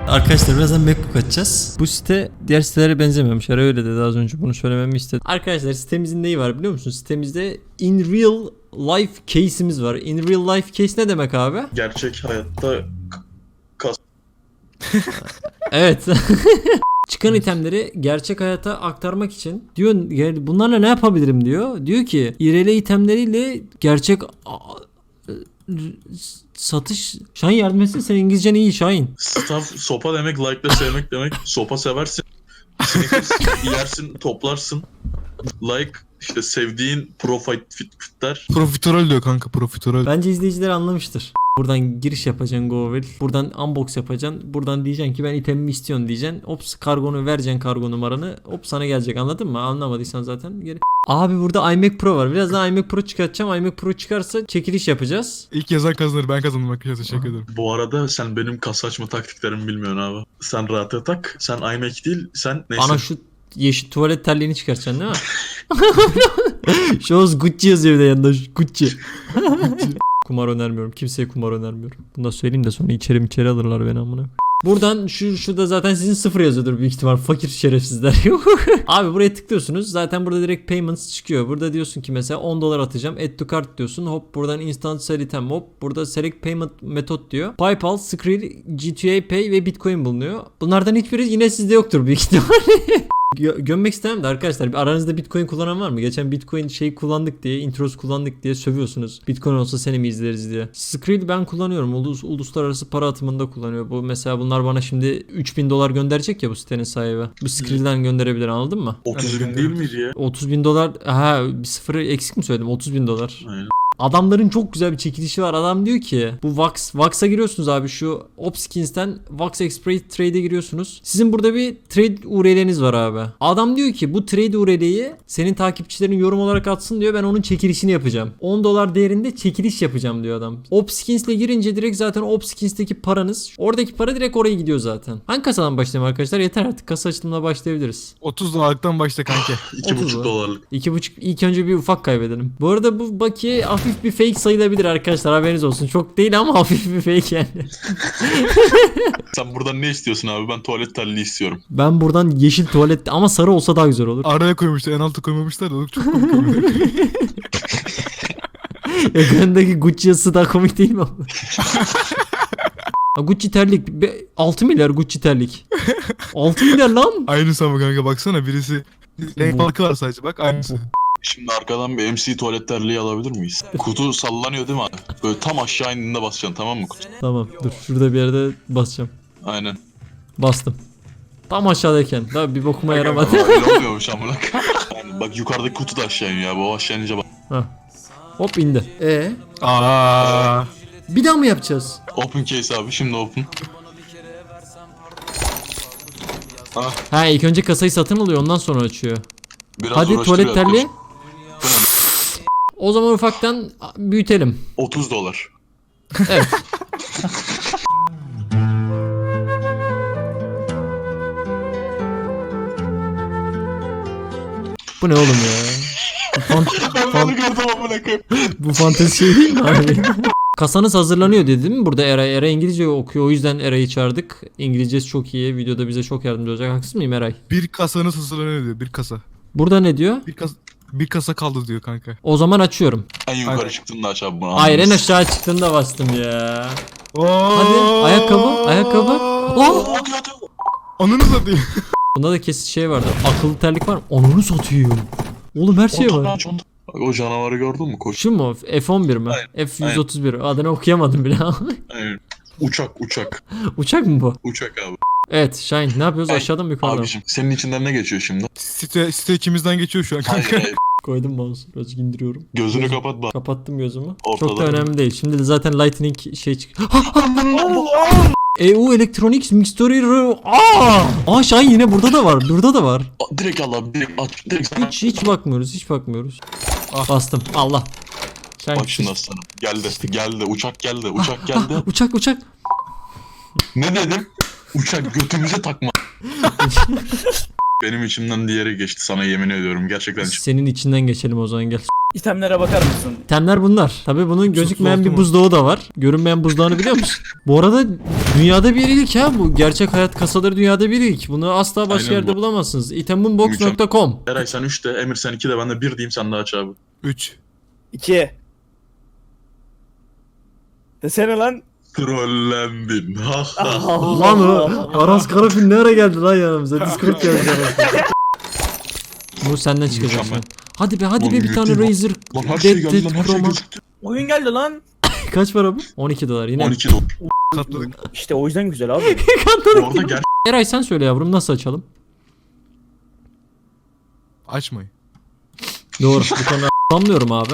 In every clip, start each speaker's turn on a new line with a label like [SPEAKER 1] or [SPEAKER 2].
[SPEAKER 1] Arkadaşlar birazdan MacBook açacağız. Bu site diğer sitelere benzemiyormuş. Öyle dedi az önce, bunu söylememi istedi. Arkadaşlar sitemizin neyi var biliyor musunuz? Sitemizde in real life case'imiz var. In real life case ne demek abi?
[SPEAKER 2] Gerçek hayatta
[SPEAKER 1] Evet. Çıkan itemleri gerçek hayata aktarmak için diyor, bunlarla ne yapabilirim diyor. Diyor ki IRL itemleriyle gerçek satış. Şahin yardım etsene, sen İngilizcen iyi Şahin.
[SPEAKER 2] staff sopa demek, like'la sevmek demek. Sopa seversin. Sneakers yersin, toplarsın. Like işte sevdiğin fitler.
[SPEAKER 3] Profiterol diyor kanka, profiterol.
[SPEAKER 1] Bence izleyiciler anlamıştır. Buradan giriş yapacaksın Google. Buradan unbox yapacaksın. Buradan diyeceksin ki ben itemimi istiyorsun diyeceksin. Ops, kargonu vereceksin, kargo numaranı. Hop sana gelecek, anladın mı? Anlamadıysan zaten geri. Abi burada iMac Pro var. Birazdan iMac Pro çıkartacağım. iMac Pro çıkarsa çekiliş yapacağız.
[SPEAKER 3] İlk yazan kazanır, ben kazandım arkadaşlar, teşekkür ederim.
[SPEAKER 2] Bu arada sen benim kasa açma taktiklerimi bilmiyorsun abi. Sen rahat tak. Sen iMac değil, sen neyse.
[SPEAKER 1] Ana şu yeşil tuvalet terliğini çıkartacaksın değil mi? Şu Gucci yazıyor bir de yanında, Gucci. Kumar önermiyorum. Kimseye kumar önermiyorum. Bunu da söyleyeyim de sonra içeri alırlar beni amına. Buradan şurada zaten sizin 0 yazıyordur büyük ihtimal, fakir şerefsizler. Abi buraya tıklıyorsunuz. Zaten burada direkt payments çıkıyor. Burada diyorsun ki mesela $10 atacağım. Add to cart diyorsun. Hop buradan instant sell item, hop burada select payment method diyor. PayPal, Skrill, G2A Pay ve Bitcoin bulunuyor. Bunlardan hiçbiri yine sizde yoktur büyük ihtimal. Gömmek istemem de arkadaşlar, aranızda Bitcoin kullanan var mı? Geçen Bitcoin şeyi kullandık diye, introsu kullandık diye sövüyorsunuz. Bitcoin olsa seni mi izleriz diye. Skrill ben kullanıyorum. Uluslararası para atımında kullanıyor. Bu mesela bunlar bana şimdi $3.000 gönderecek ya bu sitenin sahibi. Bu Skrill'den gönderebilir, anladın mı?
[SPEAKER 2] 30 bin değil miydi ya?
[SPEAKER 1] $30.000. Ha, bir sıfırı eksik mi söyledim? $30.000.
[SPEAKER 2] Aynen.
[SPEAKER 1] Adamların çok güzel bir çekilişi var. Adam diyor ki bu Vax'a giriyorsunuz abi, şu Opskins'ten Vax Express Trade'e giriyorsunuz. Sizin burada bir trade URL'niz var abi. Adam diyor ki bu trade URL'yi senin takipçilerin yorum olarak atsın diyor. Ben onun çekilişini yapacağım. $10 değerinde çekiliş yapacağım diyor adam. Opskins'le girince direkt zaten Opskins'teki paranız, oradaki para direkt oraya gidiyor zaten. Hangi kasadan başlayalım arkadaşlar? Yeter artık, kasa açılımına başlayabiliriz.
[SPEAKER 3] $30'dan başla kanka.
[SPEAKER 2] $2.5.
[SPEAKER 1] 2.5, ilk önce bir ufak kaybedelim. Bu arada bu bakiye hafif bir fake sayılabilir arkadaşlar, haberiniz olsun. Çok değil ama hafif bir fake yani.
[SPEAKER 2] Sen buradan ne istiyorsun abi? Ben tuvalet terliği istiyorum.
[SPEAKER 1] Ben buradan yeşil tuvalet ama sarı olsa daha güzel olur.
[SPEAKER 3] Araya koymuşlar, en altı koymamışlar da o çok komik oluyor.
[SPEAKER 1] Ekrandaki Gucci yazısı daha komik değil mi? Gucci terlik 6 milyar Gucci terlik. 6 milyar lan.
[SPEAKER 3] Aynısı ama kanka, baksana, birisi renk farkı var sadece, bak aynısı.
[SPEAKER 2] Şimdi arkadan bir MC tuvalet terliği alabilir miyiz? Kutu sallanıyor değil mi abi? Böyle tam aşağı indiğinde basacaksın, tamam mı kutu?
[SPEAKER 1] Tamam dur, şurada bir yerde basacağım.
[SPEAKER 2] Aynen.
[SPEAKER 1] Bastım. Tam aşağıdayken. Daha bir bokuma yaramadı.
[SPEAKER 2] Öyle oluyormuş amına. Yani bak yukarıdaki kutu da aşağı iniyor abi. O aşağı inince bak.
[SPEAKER 1] Hop indi.
[SPEAKER 3] Aa.
[SPEAKER 1] Bir daha mı yapacağız?
[SPEAKER 2] Open case abi, şimdi open.
[SPEAKER 1] Ha, ilk önce kasayı satın alıyor, ondan sonra açıyor.
[SPEAKER 2] Biraz
[SPEAKER 1] Hadi
[SPEAKER 2] uğraştı
[SPEAKER 1] tuvalet
[SPEAKER 2] bir
[SPEAKER 1] terliği.
[SPEAKER 2] arkadaş.
[SPEAKER 1] O zaman ufaktan büyütelim.
[SPEAKER 2] $30.
[SPEAKER 1] Evet. Bu ne oğlum ya? Bu fantezi şey değil mi abi? Kasanız hazırlanıyor dedi değil mi? Burada Eray İngilizce okuyor, o yüzden Eray'ı çağırdık. İngilizcesi çok iyi. Videoda bize çok yardımcı olacak. Haksız mıyım Eray?
[SPEAKER 3] Bir kasanın sızılanıyor diyor, bir kasa.
[SPEAKER 1] Burada ne diyor?
[SPEAKER 3] Bir kasa kaldı diyor kanka.
[SPEAKER 1] O zaman açıyorum.
[SPEAKER 2] En yukarı
[SPEAKER 3] Aynen.
[SPEAKER 2] çıktığında aç abi bunu.
[SPEAKER 1] Hayır, en aşağı çıktığında bastım ya.
[SPEAKER 3] Oo.
[SPEAKER 1] Hadi ayakkabı. Oh!
[SPEAKER 3] Ananı satayım.
[SPEAKER 1] Bunda da kesin şey vardı. Akıllı terlik var mı? Onu satıyor. Oğlum her şey var.
[SPEAKER 2] O canavarı gördün mü koç?
[SPEAKER 1] Şu mu? F11 mi?
[SPEAKER 2] Aynen.
[SPEAKER 1] F131. Adını okuyamadım bile.
[SPEAKER 2] Aynen. Uçak.
[SPEAKER 1] Uçak mı bu?
[SPEAKER 2] Uçak abi.
[SPEAKER 1] Evet Şahin, ne yapıyoruz? Aşağıdan mı yukarıdan mı?
[SPEAKER 2] Abiciğim senin içinden ne geçiyor şimdi?
[SPEAKER 3] Site içimizden geçiyor şu an kanka.
[SPEAKER 2] Hayır.
[SPEAKER 1] Koydum mouse'u. Birazcık indiriyorum.
[SPEAKER 2] Gözünü kapat bak.
[SPEAKER 1] Kapattım gözümü.
[SPEAKER 2] Ortada.
[SPEAKER 1] Çok da önemli değil. Şimdi de zaten Lightning şey çık. EU Electronics Mixtory. Aa Şahin, yine burada da var. Burada da var.
[SPEAKER 2] Direkt al abi, direkt aç. Direkt sana.
[SPEAKER 1] Hiç bakmıyoruz. Bastım. Allah. Şahin.
[SPEAKER 2] Bak şimdi aslanım. Geldi. Uçak geldi.
[SPEAKER 1] Uçak.
[SPEAKER 2] Ne dedim? Uçak götümüze takma. Benim içimden diğeri geçti, sana yemin ediyorum. Gerçekten
[SPEAKER 1] Senin içinden geçelim o zaman, gel.
[SPEAKER 4] İtemlere bakar mısın?
[SPEAKER 1] İtemler bunlar. Tabii bunun gözükmeyen
[SPEAKER 3] oldu
[SPEAKER 1] bir
[SPEAKER 3] mu?
[SPEAKER 1] buzdağı da var. Görünmeyen buzdağını biliyor musun? Bu arada dünyada bir ilk ha bu. Gerçek hayat kasaları dünyada bir ilk. Bunu asla başka
[SPEAKER 2] Aynen
[SPEAKER 1] yerde
[SPEAKER 2] bu.
[SPEAKER 1] bulamazsınız. Itemunbox.com.
[SPEAKER 2] Eray sen 3 de, Emir sen 2 de, ben de 1 diyeyim, sen de aç abi.
[SPEAKER 3] 3.
[SPEAKER 4] 2. Desene lan.
[SPEAKER 2] Trollendin. Ha ha.
[SPEAKER 1] Lan o Aras Karafil ne ara geldi lan yanımıza? Discord geldi yanımıza. Bu senden çıkacak
[SPEAKER 2] Mükemmel.
[SPEAKER 1] şimdi. Hadi be hadi
[SPEAKER 2] Lan
[SPEAKER 1] be bir tane
[SPEAKER 2] yürüteyim.
[SPEAKER 1] Razer.
[SPEAKER 2] Lan her şey
[SPEAKER 1] Dead
[SPEAKER 2] geldi lan, her şey
[SPEAKER 1] Chroma.
[SPEAKER 2] gözüktü.
[SPEAKER 4] Oyun geldi lan.
[SPEAKER 1] Kaç para bu? 12 dolar yine.
[SPEAKER 2] 12 dolar.
[SPEAKER 3] Katladık.
[SPEAKER 4] İşte o yüzden güzel abi.
[SPEAKER 2] Bu arada gel.
[SPEAKER 1] Eray sen söyle yavrum nasıl açalım?
[SPEAKER 3] Açmayın.
[SPEAKER 1] Doğru. Bu konuda anlıyorum abi.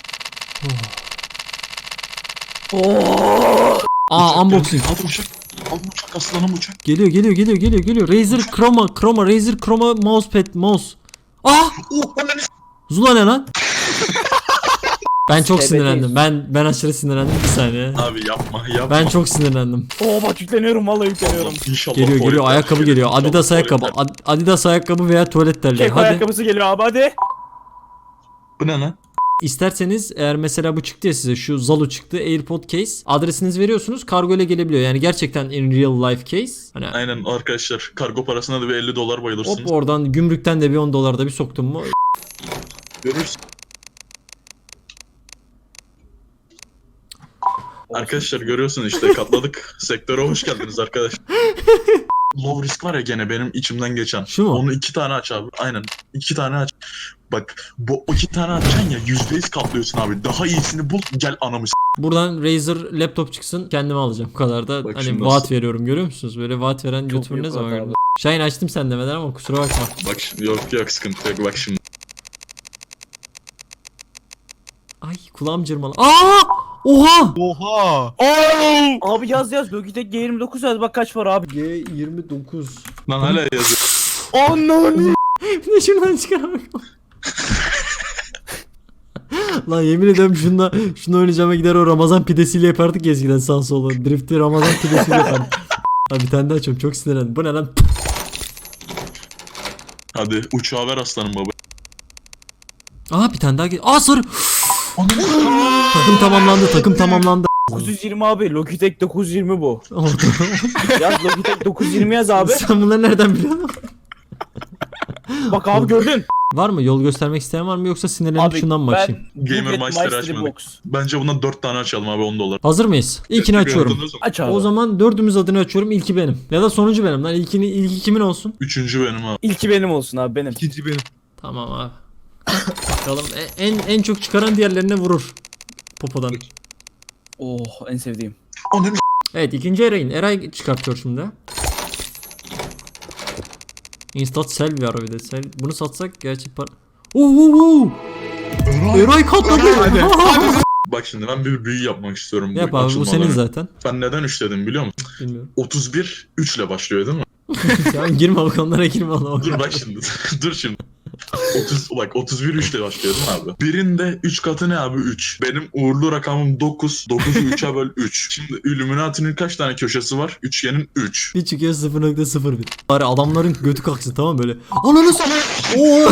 [SPEAKER 1] Aa unboxing.
[SPEAKER 2] Hadi uçak. Al uçak, aslanım uçak.
[SPEAKER 1] Geliyor. Razer Chroma, Razer Chroma mousepad, mouse. Ah!
[SPEAKER 2] Oh ananı s-
[SPEAKER 1] Zula ne lan? Ben çok
[SPEAKER 4] Evet,
[SPEAKER 1] sinirlendim. Ben aşırı sinirlendim bir saniye.
[SPEAKER 2] Abi yapma.
[SPEAKER 1] Ben çok sinirlendim.
[SPEAKER 4] Oo bak yükleniyorum vallahi yükleniyorum.
[SPEAKER 2] İnşallah
[SPEAKER 1] Geliyor
[SPEAKER 2] tuvaletler
[SPEAKER 1] ayakkabı
[SPEAKER 2] gelir.
[SPEAKER 1] geliyor.
[SPEAKER 2] İnşallah
[SPEAKER 1] Adidas ayakkabı.
[SPEAKER 2] tuvaletler.
[SPEAKER 1] Adidas ayakkabı veya tuvalet terliği.
[SPEAKER 4] Keko
[SPEAKER 1] Hadi.
[SPEAKER 4] ayakkabısı geliyor abi hadi.
[SPEAKER 2] Bu ne lan?
[SPEAKER 1] İsterseniz eğer mesela bu çıktı ya size şu Zalu çıktı AirPod case adresinizi veriyorsunuz kargo ile gelebiliyor yani gerçekten in real life case hani
[SPEAKER 2] Aynen arkadaşlar, kargo parasına da bir 50 dolar bayılırsınız.
[SPEAKER 1] hop oradan gümrükten de bir 10 dolar da bir soktum mu
[SPEAKER 2] Görürsün. Arkadaşlar görüyorsunuz işte, katladık. Sektöre hoş geldiniz arkadaşlar. Low risk var ya gene benim içimden geçen.
[SPEAKER 1] Şu mu?
[SPEAKER 2] Onu 2 tane aç abi. Aynen. 2 tane aç. Bak bu 2 tane açacaksın ya, %100 katlıyorsun abi. Daha iyisini bul, gel anamı s-
[SPEAKER 1] buradan Razer laptop çıksın kendime alacağım bu kadar da
[SPEAKER 2] Bak
[SPEAKER 1] hani
[SPEAKER 2] şimdi
[SPEAKER 1] vaat
[SPEAKER 2] nasıl-
[SPEAKER 1] veriyorum görüyor musunuz böyle vaat veren
[SPEAKER 4] Çok
[SPEAKER 1] YouTuber ne
[SPEAKER 4] büyük
[SPEAKER 1] zaman
[SPEAKER 4] vaat
[SPEAKER 1] gördün?
[SPEAKER 4] abi.
[SPEAKER 1] Şahin açtım sen demeden ama kusura bakma.
[SPEAKER 2] Bak şimdi, yok sıkıntı yok, bak şimdi.
[SPEAKER 1] Ay kulağım cırmalı. Aa! Oha!
[SPEAKER 3] Oha!
[SPEAKER 4] Abi yaz Logitech G29 yaz bak kaç var abi.
[SPEAKER 1] G29.
[SPEAKER 2] Lan hala yazıyor.
[SPEAKER 4] Ananı.
[SPEAKER 1] Bir de şuradan çıkaramak. Lan yemin ediyorum şunu oynayacağıma gider o Ramazan pidesiyle yapardık ya eskiden sağ sola. Drift'i Ramazan pidesiyle yapardık. Abi bir tane daha açıyorum çok sinirlendim. Bu ne lan?
[SPEAKER 2] Hadi uçağı ver aslanım baba.
[SPEAKER 1] Aa bir tane daha gel. Aa sarı. takım tamamlandı.
[SPEAKER 4] 920 abi Logitech 920 bu. Yaz Logitech 920 yaz abi.
[SPEAKER 1] Sen bunları nereden biliyorsun?
[SPEAKER 4] Bak abi gördün.
[SPEAKER 1] Var mı? Yol göstermek isteyen var mı yoksa sinirlenip şundan mı açayım?
[SPEAKER 2] Gamer Master'ı açmadık.
[SPEAKER 4] Box.
[SPEAKER 2] Bence bundan 4 tane açalım abi, 10 dolar.
[SPEAKER 1] Hazır mıyız? İlkini açıyorum.
[SPEAKER 4] Aç abi.
[SPEAKER 1] O zaman dördümüz adını açıyorum. İlki benim. Ya da sonuncu benim lan. İlki kimin olsun?
[SPEAKER 2] Üçüncü benim abi.
[SPEAKER 4] İlki benim olsun abi benim.
[SPEAKER 3] İkinci benim.
[SPEAKER 1] Tamam abi. Bakalım en çok çıkaran diğerlerine vurur. Popodan.
[SPEAKER 4] Oh en sevdiğim.
[SPEAKER 2] Ananı
[SPEAKER 1] Evet ikinci Eray'ın. Eray çıkartıyor şimdi. Instat sell var bir de. Bunu satsak gerçi para... Oo! Eray katladı.
[SPEAKER 2] Bak şimdi ben bir büyü yapmak istiyorum.
[SPEAKER 1] Yap abi bu
[SPEAKER 2] açılmadan
[SPEAKER 1] senin
[SPEAKER 2] önce.
[SPEAKER 1] zaten.
[SPEAKER 2] Ben neden 3 dedim biliyor musun?
[SPEAKER 1] Bilmiyorum.
[SPEAKER 2] 31 3 ile başlıyor değil mi?
[SPEAKER 1] Sen girme bak onlara girme Allah.
[SPEAKER 2] Dur bak şimdi. Dur şimdi. 31 3 ile başlıyor değil mi abi? Birinde 3 katı ne abi? 3. Benim uğurlu rakamım 9. 9'u 3'e böl 3. Şimdi Illuminati'nin kaç tane köşesi var? Üçgenin 3.
[SPEAKER 1] Bir çıkıyor 0.01. Bari adamların götü kalksın tamam böyle. Ananı sana. Oo.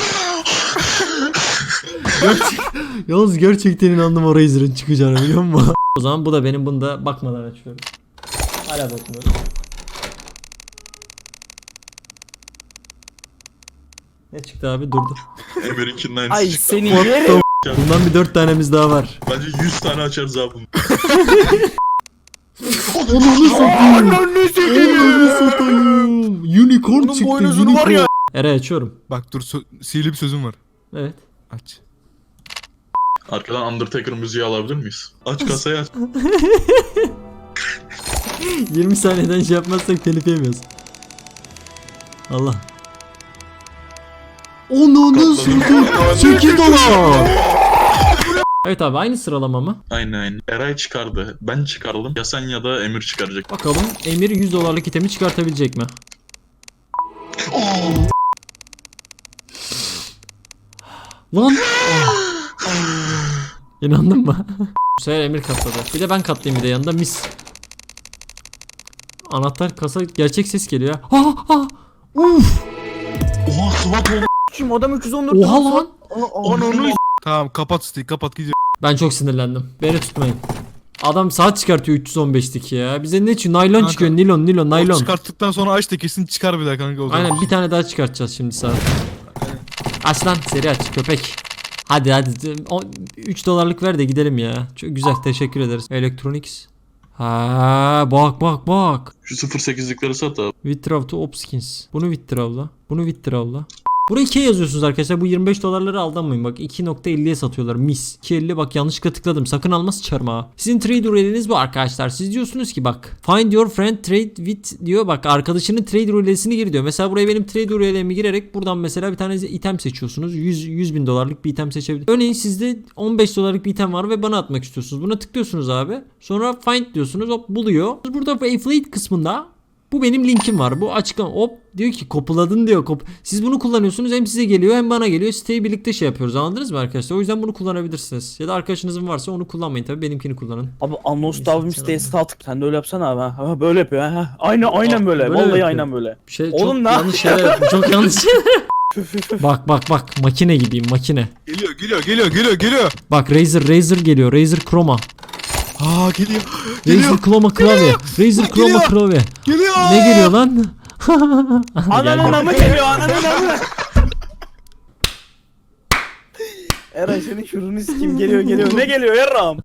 [SPEAKER 1] Yalnız gerçekten inandım o Razer'ın çıkacağını biliyor musun? O zaman bu da benim, bunu da bakmadan açıyorum. Hala bakmıyorum. Ne çıktı abi durdu.
[SPEAKER 2] Emir'inkinden
[SPEAKER 4] Ay
[SPEAKER 2] aynısı çıktı.
[SPEAKER 4] seni
[SPEAKER 1] What
[SPEAKER 4] yerim.
[SPEAKER 1] Bundan bir 4 tanemiz daha var.
[SPEAKER 2] Bence 100 tane açarız abi bunu.
[SPEAKER 1] Ananı satayım. Ananı satayım. Unicorn
[SPEAKER 4] Bunun
[SPEAKER 1] çıktı.
[SPEAKER 4] boynuzunu var ya.
[SPEAKER 1] Eray açıyorum.
[SPEAKER 3] Bak dur sihirli bir sözüm var.
[SPEAKER 1] Evet.
[SPEAKER 3] Aç.
[SPEAKER 2] Arkadan Undertaker müziği alabilir miyiz? Aç kasayı aç.
[SPEAKER 1] 20 saniyeden şey yapmazsak telif yemiyoruz. Allah. Onu satayım. 8 dolar. Evet abi aynı sıralama mı?
[SPEAKER 2] Aynen. Eray çıkardı. Ben çıkardım. Ya sen ya da Emir çıkaracak.
[SPEAKER 1] Bakalım Emir 100 dolarlık itemi çıkartabilecek mi? Lan! İnandın mı? Bu sefer Emir katladı. Bir de ben katlayayım bir de yanında mis. Anahtar kasa gerçek ses geliyor ya. Ha ha! Uf!
[SPEAKER 2] Oha SWAT oldu.
[SPEAKER 4] Şimdi adam 314.
[SPEAKER 1] Oha lan!
[SPEAKER 4] Ananı.
[SPEAKER 3] Tamam kapat siteyi kapat gidiyor.
[SPEAKER 1] Ben çok sinirlendim. Beni tutmayın. Adam saat çıkartıyor 315'lik ya. Bize ne çıkıyor? Naylon
[SPEAKER 3] Kanka,
[SPEAKER 1] çıkıyor. Nilon,
[SPEAKER 3] O
[SPEAKER 1] naylon.
[SPEAKER 3] çıkarttıktan sonra aç da kesin çıkar bir daha kanka o zaman.
[SPEAKER 1] Aynen bir tane daha çıkartacağız şimdi saat. Aç lan seri aç köpek. Hadi 3 dolarlık ver de gidelim ya. Çok güzel teşekkür ederiz. Electronics. Ha bak.
[SPEAKER 2] Şu 08'likleri sat abi.
[SPEAKER 1] Withdraw to Opskins. Bunu withdraw'la. Bunu withdraw'la. Buraya 2 yazıyorsunuz arkadaşlar. Bu 25 dolarları aldanmayın. Bak 2.50'ye satıyorlar. Mis. 2.50 bak yanlışlıkla tıkladım. Sakın alması çarmıha. Sizin trade ruletiniz bu arkadaşlar. Siz diyorsunuz ki bak. Find your friend trade with diyor. Bak arkadaşının trade ruletini gir diyor. Mesela buraya benim trade ruletimi girerek buradan mesela bir tane item seçiyorsunuz. 100 bin dolarlık bir item seçebilirsiniz. Örneğin sizde 15 dolarlık bir item var ve bana atmak istiyorsunuz. Buna tıklıyorsunuz abi. Sonra find diyorsunuz. Hop buluyor. Burada affiliate kısmında bu benim linkim var. Bu açıklama. Hop diyor ki kopuladın diyor. Siz bunu kullanıyorsunuz. Hem size geliyor hem bana geliyor. Siteyi birlikte şey yapıyoruz. Anladınız mı arkadaşlar? O yüzden bunu kullanabilirsiniz. Ya da arkadaşınızın varsa onu kullanmayın tabii. Benimkini kullanın.
[SPEAKER 4] Abi Anlos Davim siteye stat. Sen de öyle yapsana abi. Ha, böyle yapıyor ha. Aynen böyle.
[SPEAKER 1] Böyle
[SPEAKER 4] Vallahi
[SPEAKER 1] yapıyor.
[SPEAKER 4] aynen böyle.
[SPEAKER 1] Bir şey
[SPEAKER 4] Oğlum
[SPEAKER 1] çok
[SPEAKER 4] ne
[SPEAKER 1] yanlış şeyler yaptım. Çok yanlış şeyler. Bak. Makine gibiyim makine.
[SPEAKER 3] Geliyor.
[SPEAKER 1] Bak Razer geliyor. Razer Chroma.
[SPEAKER 3] Aa geliyor.
[SPEAKER 1] Razer Chroma klavye. Razer Chroma
[SPEAKER 3] Geliyor.
[SPEAKER 1] klavye.
[SPEAKER 3] Geliyor.
[SPEAKER 1] Ne geliyor lan?
[SPEAKER 4] Ananın amı geliyor ananın amı. Eray senin şurunu sikim geliyor. Ne geliyor yarram?